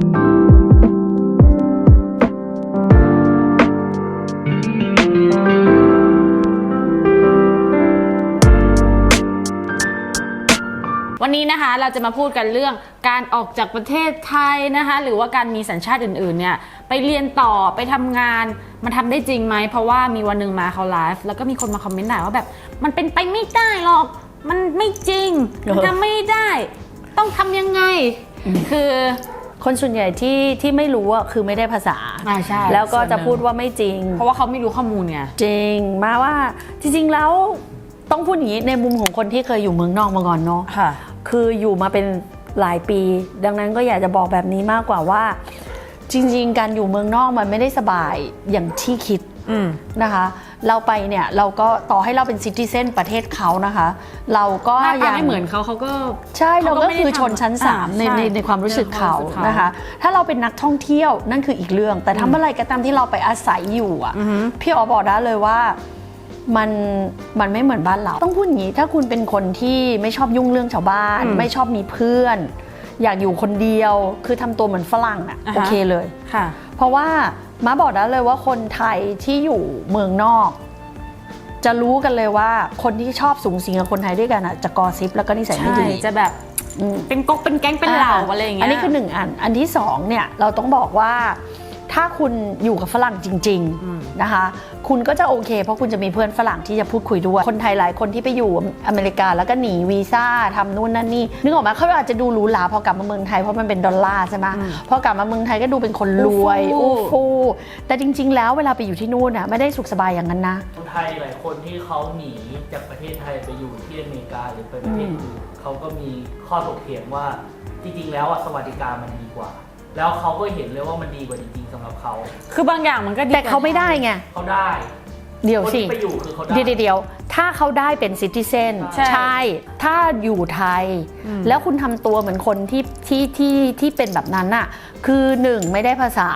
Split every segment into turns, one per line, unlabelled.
วันนี้นะคะเราจะมาพูดกันเรื่องการออกจากประเทศไทยนะคะหรือว่าการมีสัญชาติอื่นๆเนี่ยไปเรียนต่อไปทำงานมันทำได้จริงไหมเพราะว่ามีวันหนึ่งมาเขาไลฟ์แล้วก็มีคนมาคอมเมนต์ด่าว่าแบบมันเป็นไปไม่ได้หรอกมันไม่จริงมันทำไม่ได้ต้องทำยังไงคือ
คนส่วนใหญ่ที่ไม่รู้อ่ะคือไม่ได้ภาษา
ใช่
แล้วก็จะพูดว่าไม่จริง
เพราะว่าเขาไม่รู้ข้อมูลไง
จริงมาว่าจริงๆแล้วต้องพูดอย่างนี้ในมุมของคนที่เคยอยู่เมืองนอกมาก่อนเนาะคืออยู่มาเป็นหลายปีดังนั้นก็อยากจะบอกแบบนี้มากกว่าว่าจริงๆการอยู่เมืองนอกมันไม่ได้สบายอย่างที่คิดนะคะเราไปเนี่ยเราก็ต่อให้เราเป็นซิติเซนประเทศเขานะคะเราก็
ยังไม่เหมือนเขาก็
ใช่เราก็คือชนชั้น3ในความรู้สึกเขานะคะถ้าเราเป็นนักท่องเที่ยวนั่นคืออีกเรื่องแต่ทำอะไรก็ตามที่เราไปอาศัยอยู่อ่ะพี่อ๋อบอกได้เลยว่ามันไม่เหมือนบ้านเราต้องพูดอย่างนี้ถ้าคุณเป็นคนที่ไม่ชอบยุ่งเรื่องชาวบ้านไม่ชอบมีเพื่อนอยากอยู่คนเดียวคือทำตัวเหมือนฝรั่งอ่ะโอเคเลย
ค่ะ
เพราะว่าม้าบอกได้เลยว่าคนไทยที่อยู่เมืองนอกจะรู้กันเลยว่าคนที่ชอบสูงสิงกับคนไทยด้วยกันอ่ะจะกอซิปแล้วก็นิสัยไม่ดี
จะแบบเป็นก๊กเป็นแก๊งเป็นเหล่าอะไรอย่างเงี้ย
อันนี้คือ1อันที่2เนี่ยเราต้องบอกว่าถ้าคุณอยู่กับฝรั่งจริงๆนะคะคุณก็จะโอเคเพราะคุณจะมีเพื่อนฝรั่งที่จะพูดคุยด้วยคนไทยหลายคนที่ไปอยู่อเมริกาแล้วก็หนีวีซ่าทำนู่นนั่นนี่นึกออกไหมเขาอาจจะดูหรูหราพอกลับมาเมืองไทยเพราะมันเป็นดอลลาร์ใช่ไหมพอกลับมาเมืองไทยก็ดูเป็นคนรวยอู้ฟู่แต่จริงๆแล้วเวลาไปอยู่ที่นู่นน่ะไม่ได้สุขสบายอย่างนั้นนะ
คนไทยหลายคนที่เขาหนีจากประเทศไทยไปอยู่ที่อเมริกาหรือไปประเทศอื่นเขาก็มีข้อถกเถียงว่าจริงๆแล้วสวัสดิการมันดีกว่าแล้วเขาก็เห็นเลยว่ามันดีกว่าจริงๆสำหรับเขา
คือบางอย่างมันก็ดี
แต่เขาไม่ได้ไง
เขาได้
เดี๋ยวสิ
ไปอยู่คือเขาได้
เดี๋ยวถ้าเขาได้เป็นซิติเซนใช่ถ้าอยู่ไทยแล้วคุณทำตัวเหมือนคนที่เป็นแบบนั้นน่ะคือ1ไม่ได้ภาษา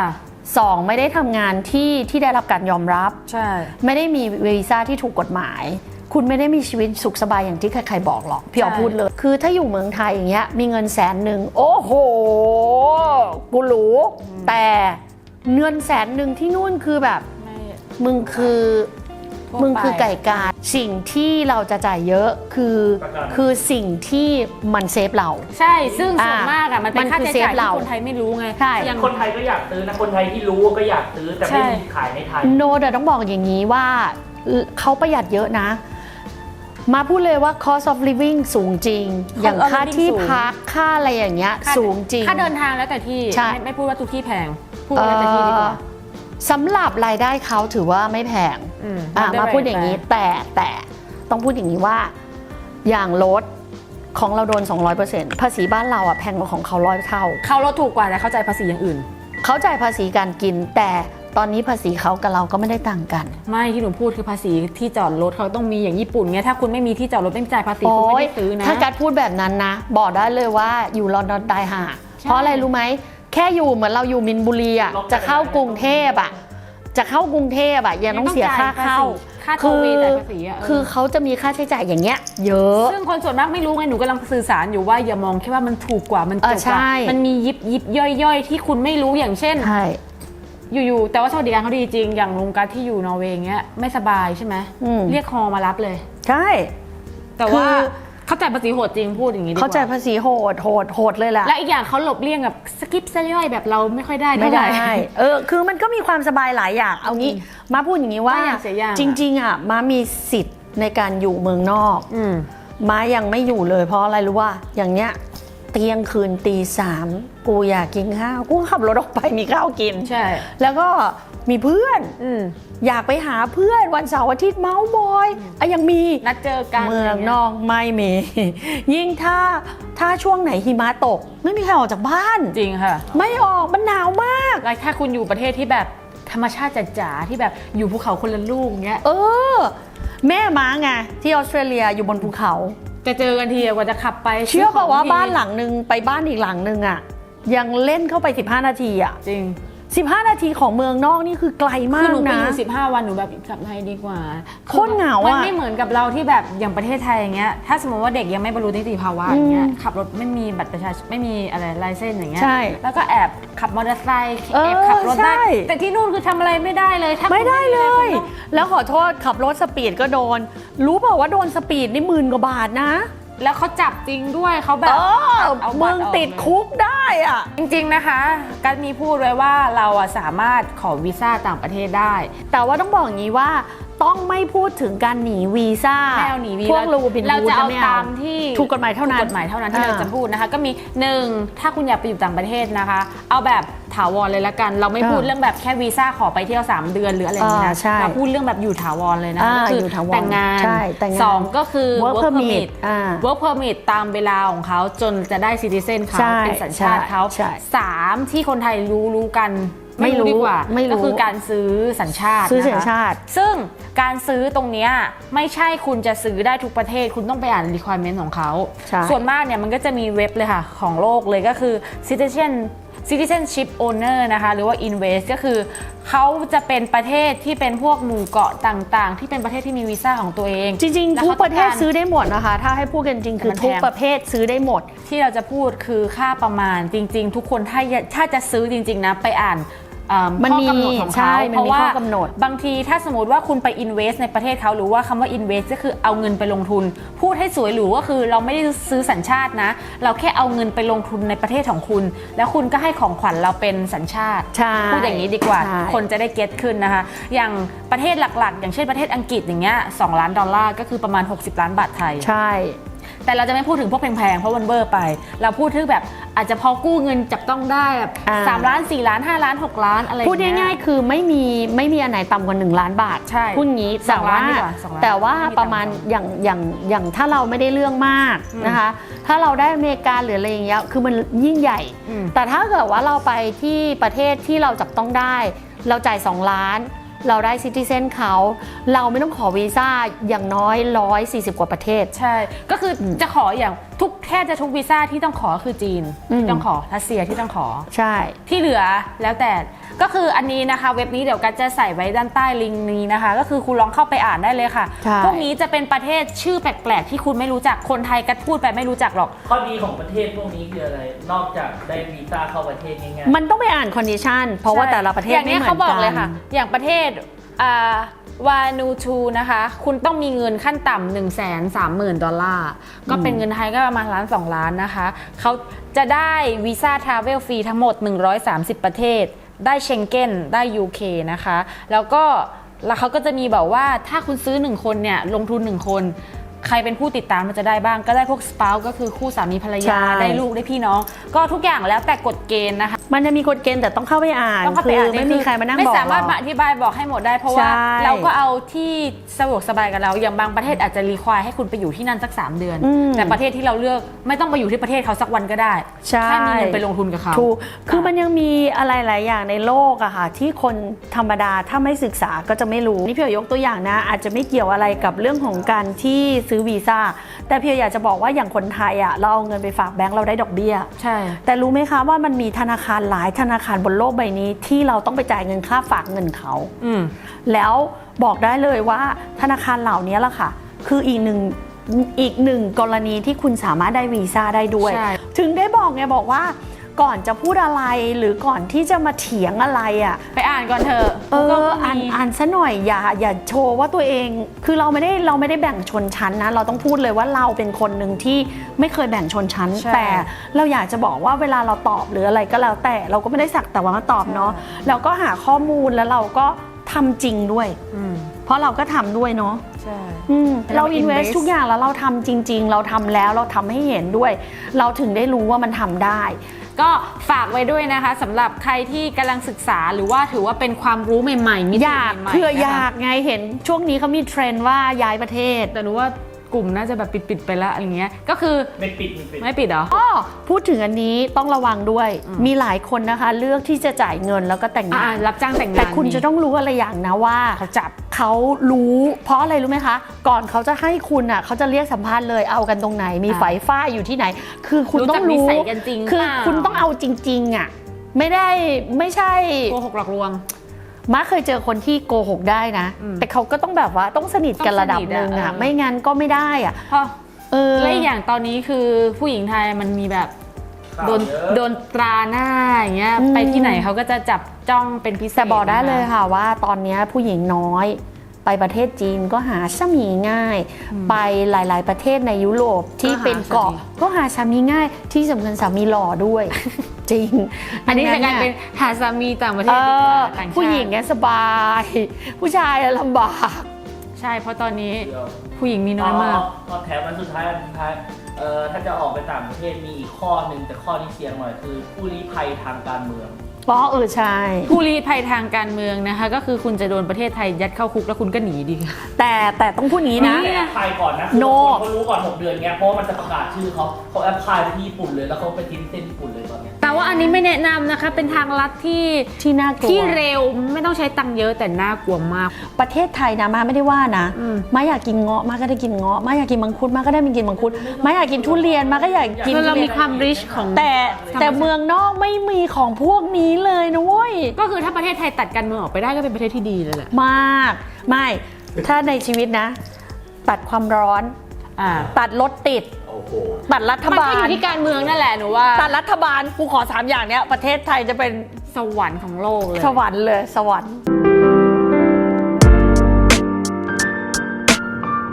2ไม่ได้ทำงานที่ได้รับการยอมรับไม่ได้มีวีซ่าที่ถูกกฎหมายคุณไม่ได้มีชีวิตสุขสบายอย่างที่ใครๆบอกหรอกพี่อ๋อพูดเลยคือถ้าอยู่เมืองไทยอย่างเงี้ยมีเงิน100,000โอ้โหกูรู้แต่เงิน100,000ที่นู่นคือแบบมึงคือไก่กาสิ่งที่เราจะจ่ายเยอะคือสิ่งที่มันเซฟเรา
ใช่ซึ่งส่วนมากอ่ะมันเป็นค่าใช้จ่ายที่คนไทยไม่รู้ไง
อย่างคนไทยก็อยากซื้อนะคนไทยที่รู้ก็อยากซื้อแต่ไม่มีขายในไทย
โนแต่ต้องบอกอย่างนี้ว่าเขาประหยัดเยอะนะมาพูดเลยว่า cost of living สูงจริงอย่างค่าที่พักค่าอะไรอย่างเงี้ยสูงจริง
ค่าเดินทางแล้วแต่ที่ไม่พูดว่าทุกที่แพงพูดว่าแล้วแต่ที่ดีกว่า
สำหรับรายได้เขาถือว่าไม่แพงมาพูดอย่างนี้แต่ต้องพูดอย่างนี้ว่าอย่างรถของเราโดน 200% ภาษีบ้านเราอ่ะแพงกว่าของเขา100 เท่า
เขาลดถูกกว่าแต่เขาจ่ายภาษีอย่างอื่น
เขาจ่ายภาษีการกินแต่ตอนนี้ภาษีเขากับเราก็ไม่ได้ต่างกัน
ไม่ที่หนูพูดคือภาษีที่จอดรถเขาต้องมีอย่างญี่ปุ่นไงถ้าคุณไม่มีที่จอดรถไม่จ่ายภาษีคุณไม่ได้ซื้อนะ
ถ้าการพูดแบบนั้นนะบอกได้เลยว่าอยู่ลอนดอนตายห่าเพราะอะไรรู้ไหมแค่อยู่เหมือนเราอยู่มินบุรีอ่ะจะเข้ากรุงเทพอ่ะยังต้องเสียค่าเข้าคือเขาจะมีค่าใช้จ่ายอย่างเงี้ยเยอะ
ซึ่งคนส่วนมากไม่รู้ไงหนูกำลังสื่อสารอยู่ว่าอย่ามองแค่ว่ามันถูกกว่ามันจบกว่ามันมียิบย่อยที่คุณไม่รู้อย่างเช่นอยู่แต่ว่าสวัสดิการเขาดีจริงอย่างลุงกัสที่อยู่นอร์เวย์เงี้ยไม่สบายใช่ไหมเรียกฮอมารับเลย
ใช่
แต่ว่าเขาจ่ายภาษีโหดจริงพูดอย่างนี้ดีกว่า
เขาจ่ายภาษีโหดเลยแหละ
และอีกอย่างเขาหลบเลี่ยงแบบสกิปซะย่อยแบบเราไม่ค่อยได้
คือมันก็มีความสบายหลายอย่างเอางี้มาพูดอย่างนี้ว่าจริงๆอ่ะมามีสิทธิ์ในการอยู่เมืองนอกมายังไม่อยู่เลยเพราะอะไรรู้ว่าอย่างเนี้ยเที่ยงคืนตี 3กูอยากกินข้าวกูขับรถออกไปมีข้าวกิน
ใช่
แล้วก็มีเพื่อนอยากไปหาเพื่อนวันเสาร์อาทิตย์เมาส์มอยยังมี
นัดเจอกัน
เมืองนอกไม่มียิ่งถ้าช่วงไหนหิมะตกไม่มีใครออกจากบ้าน
จริงค่ะ
ไม่ออกมันหนาวมาก
แล้วถ้าคุณอยู่ประเทศที่แบบธรรมชาติจ๋าๆที่แบบอยู่ภูเขาคนละลูกเงี้ย
แม่ม้าไงที่ออสเตรเลียอยู่บนภูเขา
จะเจอกันทีกว่าจะขับไป
เชื่อป่ะว่าบ้านหลังนึงไปบ้านอีกหลังนึงอ่ะยังเล่นเข้าไป15 นาทีอ่ะ
จริง
15 นาทีของเมืองนอกนี่คือไกลมา
คือก หนูไป
นะ
อยู่15 วันหนูแบบกลับไทยดีกว่า
โคตรเหงาอะ
มันไม่เหมือนกับเราที่แบบอย่างประเทศไทยอย่างเงี้ยถ้าสมมติว่าเด็กยังไม่บรรลุนิติภาวะอย่างเงี้ยขับรถไม่มีบัตรประชาชนไม่มีอะไรไลเซนส์อย่างเงี้ย
ใช่
แล้วก็แอบขับมอเตอร์ไซค์แอบขับรถได้
ใช่
แต่ที่นู่นคือทำอะไรไม่ได้เลยถ้าคุณ
ไม่ได้เลย
คุณต้อง
แล้วขอโทษขับรถสปีดก็โดน รู้เปล่าว่าโดนสปีดนี่10,000 กว่าบาทนะ
แล้วเขาจับจริงด้วยเขาแบบเอาบั
มึ
ต
ง
รออก
ติดคุกได้อ่ะ
จริงๆนะคะกัสมีพูดไว้ว่าเราอะสามารถขอวีซ่าต่างประเทศได้
แต่ว่าต้องบอกอย่างนี้ว่าต้องไม่พูดถึงการหนีวีซ่า
ไม่เอาหนีวี
พวกรูบิน
เรา
ฮูด
จะเอา
ไม่
ตามที่
ถูกกฎหมายเท่านั้น
ถูกกฎหมายเท่านั้นที่เราจะพูดนะคะก็มี1ถ้าคุณอยากไปอยู่ต่างประเทศนะคะ เอาแบบถาวรเลยละกัน เราไม่พูดเรื่องแบบแค่วีซ่าขอไปเที่ยว3 เดือนหรืออะไรอย่างนี้นะ
ใช่
เราพูดเรื่องแบบอยู่ถาวรเลยนะก็คือ
อยู่ถาวร
แต่งงาน
ใช่แต่งงาน
2ก็คือ
work permit
work permit ตามเวลาของเขาจนจะได้ citizen เขา
ใช่
เป็นสัญชาติเขา
ใช่
3ที่คนไทยรู้กันไม่รู้ดีกว่า
ไม่รู้
ก็คือการซื้อสัญชาติ
ซื้อ
นะคะ
สัญชาติ
ซึ่งการซื้อตรงเนี้ยไม่ใช่คุณจะซื้อได้ทุกประเทศคุณต้องไปอ่าน requirement ของเขา
ใช่
ส่วนมากเนี่ยมันก็จะมีเว็บเลยค่ะของโลกเลยก็คือ citizenship owner นะคะหรือว่า invest ก็คือเขาจะเป็นประเทศที่เป็นพวกหมู่เกาะต่างๆ ที่เป็นประเทศที่มีวีซ่าของตัวเอง
จริง
แล้ว
ๆ ทุก
ขา
ประเทศซื้อได้หมดนะคะ ถ้าให้พูดกันจริงคือ
มันแพง
ทุกประเภทซื้อได้หมด
ที่เราจะพูดคือค่าประมาณจริงๆ ทุกคนถ้าจะซื้อจริงๆนะไปอ่าน
มันมี
ข้อกำหนดของ
ใช่
เขา
มันมีข้อกำหนด
บางทีถ้าสมมติว่าคุณไป invest ในประเทศเขาหรือว่าคำว่า invest ก็คือเอาเงินไปลงทุน พูดให้สวยหรูก็คือเราไม่ได้ซื้อสัญชาตินะ เราแค่เอาเงินไปลงทุนในประเทศของคุณ แล้วคุณก็ให้ของขวัญเราเป็นสัญชาติ
ใช่
พูดอย่างนี้ดีกว่า
ใช่
คนจะได้เก็ตขึ้นนะคะ อย่างประเทศหลักๆ อย่างเช่นประเทศอังกฤษอย่างเงี้ย$2 ล้านก็คือประมาณ60 ล้านบาทไทย
ใช่
แต่เราจะไม่พูดถึงพวกแพงๆ เพราะมันเบอร์ไป เราพูดถึงแบบอาจจะพอกู้เงินจับต้องได้แบบ3 ล้าน 4 ล้าน 5 ล้าน 6 ล้านอะไร
พูดง่ายๆคือไม่มีอันไหนต่ำกว่า1 ล้านบาท
ใช่
พูดงี้
สองล้านดีกว่า2 ล้าน
แต่ว่า
ไม่มี
ประมาณ
ต่ำกว่า
อย่างถ้าเราไม่ได้เรื่องมากนะคะ ถ้าเราได้อเมริกาหรืออะไรอย่างเงี้ยคือมันยิ่งใหญ่ แต่ถ้าเกิดว่าเราไปที่ประเทศที่เราจับต้องได้ เราจ่าย2 ล้านเราได้ซิติเซนเขาเราไม่ต้องขอวีซ่าอย่างน้อย140 กว่าประเทศ
ใช่ ก็คือจะขออย่างแค่จะทุกวีซ่าที่ต้องขอคือจีนที่ต้องขอรัสเซียที่ต้องขอ
ใช่
ที่เหลือแล้วแต่ก็คืออันนี้นะคะเว็บนี้เดี๋ยวกัสจะใส่ไว้ด้านใต้ลิงก์นี้นะคะ ก็คือคุณลองเข้าไปอ่านได้เลยค่ะ
ใช่
พวกนี้จะเป็นประเทศชื่อแปลกๆที่คุณไม่รู้จักคนไทยกัสพูดไปไม่รู้จักหรอก
ข้อดีของประเทศพวกนี้คืออะไร นอกจากได้วีซ่าเข้าประเทศง่ายๆ
มันต้องไปอ่านคอนดิชันเพราะว่าแต่ละประเทศ
อย่าง
ไม่
นี้
เหมือน
เขาบอก
กั
เลยค่ะ อย่างประเทศวานูทูนะคะ คุณต้องมีเงินขั้นต่ำ$130,000 ก็เป็นเงินไทยก็ประมาณ1-2 ล้านนะคะเขาจะได้วีซ่าทราเวลฟรีทั้งหมด130 ประเทศ ได้เชงเก้นได้ UK นะคะ แล้วเขาก็จะมีแบบว่าถ้าคุณซื้อ1คนเนี่ยลงทุน1คน ใครเป็นผู้ติดตามมันจะได้บ้างก็ได้พวกสปาวก็คือคู่สามีภรรยา
ใช่
ได้ลูกได้พี่น้อง ก็ทุกอย่างแล้วแต่กฎเกณฑ์นะคะ
มันจะมีกฎเกณฑ์แต่ต้องเข้าไปอ่าน
ต้องเข้า
คื
ไป
อ
อ่าน
ไม่มีใครมานั่ง
ไม่
บอก
สามารถ
เ
มาอธิบายบอกให้หมดได้เพราะว่า
ใช่
เราก็เอาที่สะดวกสบายกับเราอย่างบางประเทศอาจจะรีควายให้คุณไปอยู่ที่นั่นสัก3 เดือน แต่ประเทศที่เราเลือกไม่ต้องไปอยู่ที่ประเทศเขาสักวันก็ได้
ใช่
แค่มีเงินไปลงทุนกับเขา
ถูกคือมันยังมีอะไรหลายอย่างในโลกอะค่ะที่คนธรรมดาถ้าไม่ศึกษาก็จะไม่รู้นี่พี่ยกตัวอย่างนะอาจจะไม่เกี่ยวอะไรกับเรื่องของการที่ซื้อวีซ่าแต่พี่อยากจะบอกว่าอย่างคนไทยอะเราเอาเงินไปฝากแบงก์เราได้ดอกเบี้ย
ใช่
แต่รู้ไหมคะว่ามันมีธนาคารหลายธนาคารบนโลกใบนี้ที่เราต้องไปจ่ายเงินค่าฝากเงินเขา แล้วบอกได้เลยว่าธนาคารเหล่านี้ล่ะค่ะ คืออีกหนึ่งกรณีที่คุณสามารถได้วีซ่าได้ด้วย
ใช่
ถึงได้บอกไงบอกว่าก่อนจะพูดอะไรหรือก่อนที่จะมาเถียงอะไรอ่ะ
ไปอ่านก่อนเถอะ
อ่านซะหน่อยอย่าโชว์ว่าตัวเองคือเราไม่ได้แบ่งชนชั้นนะเราต้องพูดเลยว่าเราเป็นคนหนึ่งที่ไม่เคยแบ่งชนชั้น แต่เราอยากจะบอกว่าเวลาเราตอบหรืออะไรก็แล้วแต่เราก็ไม่ได้สักแต่ว่ามาตอบเนาะเราก็หาข้อมูลแล้วเราก็ทำจริงด้วยเพราะเราก็ทำด้วยเนาะ
ใช่
เรา invest ทุกอย่างแล้วเราทำจริงๆเราทำแล้วเราทำให้เห็นด้วย เราถึงได้รู้ว่ามันทำได้
ก็ฝากไว้ด้วยนะคะสำหรับใครที่กำลังศึกษาหรือว่าถือว่าเป็นความรู้ใหม่ๆมิติ
อยาก
ใหม่ๆ
เพื่อ
นะคะ
อยากไงเห็นช่วงนี้เขามีเทรนด์ว่าย้ายประเทศ
แต่รู้ว่ากลุ่มน่าจะแบบปิดไปแล้วอะไรเงี้ยก็คือ
ไม่ปิด
ไม่ปิดเหรอ
อ้อพูดถึงอันนี้ต้องระวังด้วย มีหลายคนนะคะเลือกที่จะจ่ายเงินแล้วก็แต่งงาน
รับจ้างแต่งงาน
แต่คุณจะต้องรู้อะไรอย่างนะว่า
เขาจับ
เขารู้เพราะอะไรรู้ไหมคะ ก่อนเขาจะให้คุณอ่ะเขาจะเรียกสัมภาษณ์เลยเอากันตรงไหนมีไฝฝ้ายอยู่ที่ไหน คือคุณต้องรู้
รู้จักนิสัยกันจริง
คือ
เปล่า
คุณต้องเอาจริงๆอ่ะไม่ใช่
โกหกหลอกลวง
ม้าเคยเจอคนที่โกหกได้นะ แต่เขาก็ต้องแบบว่าต้องสนิทกันระดับหนึ่งอะไม่งั้นก็ไม่ได้อะ
เพราะและอีกอย่างตอนนี้คือผู้หญิงไทยมันมีแบบโดนตราหน้าอย่างเงี้ยไปที่ไหนเขาก็จะจับจ้องเป็นพิเศษ
แต่บอกได้เลยค่ะว่าตอนนี้ผู้หญิงน้อยไปประเทศจีนก็หาสามีง่าย ไปหลายๆประเทศในยุโรปที่เป็นเกาะก็หาสามีง่ายที่สำคัญสามีหล่อด้วย จริง
อันนี้จะกลายเป็นหาสามีต่างประเทศดีกว่าต่างชาติ
ผู้หญิงเนี่ยสบาย ผู้ชายลำบาก
ใช่เพราะตอนนี้ผู้หญิงมีน้อยมาก
แถมมันสุดท้ายถ้าจะออกไปต่างประเทศมีอีกข้อหนึ่งแต่ข้อที่เสี่ยงหน่อยคือผู้ลี้ภัยทางการเมือง
ใช่
ผู้ลี้ภัยทางการเมืองนะคะก็คือคุณจะโดนประเทศไทยยัดเข้าคุกแล้วคุณก็หนีดีค่ะ
แต่ต้องพูดงี้นะ
ไปก่อนนะ
No
เขารู้ก่อน6 เดือนเงี้ยเพราะว่ามันจะประกาศชื่อเขาแอปพลายไปที่ญี่ปุ่นเลยแล้วเขาไปทิ้งเส้นญี่ปุ่นเลยตอนเนี้ย
แต่ว่าอันนี้ไม่แนะนำนะคะเป็นทางลัดที่
น่ากลัว
ที่เร็วไม่ต้องใช้ตังค์เยอะแต่น่ากลัวมาก
ประเทศไทยนะมาไม่ได้ว่านะมาอยากกินเงาะมาก็ได้กินเงาะมาอยากกินมังคุดมาก็ได้กินมังคุดมาอยากกินทุเรียนมาก็อยากกิน
คือเรา
ทุ
มี
เรียน
ความริชของ
แต่เมืองนอกไม่มีของพวกนี้เลยนะเว้ย
ก็คือถ้าประเทศไทยตัดการเมืองออกไปได้ก็เป็นประเทศที่ดีเลยแหละ
มากไม่ถ้าในชีวิตนะ ตัดความร้อน ตัดรถติด
โอ้โห
ตัดรัฐ
มัน
บา
ก็อ
ล
ยู่ที่การเมืองนั่นแหละหนูว่า
ตัดรัฐบาลกูขอ3 อย่างเนี้ยประเทศไทยจะเป็น
สวรรค์ของโลกเลย
สวรรค์เลยสวรรค์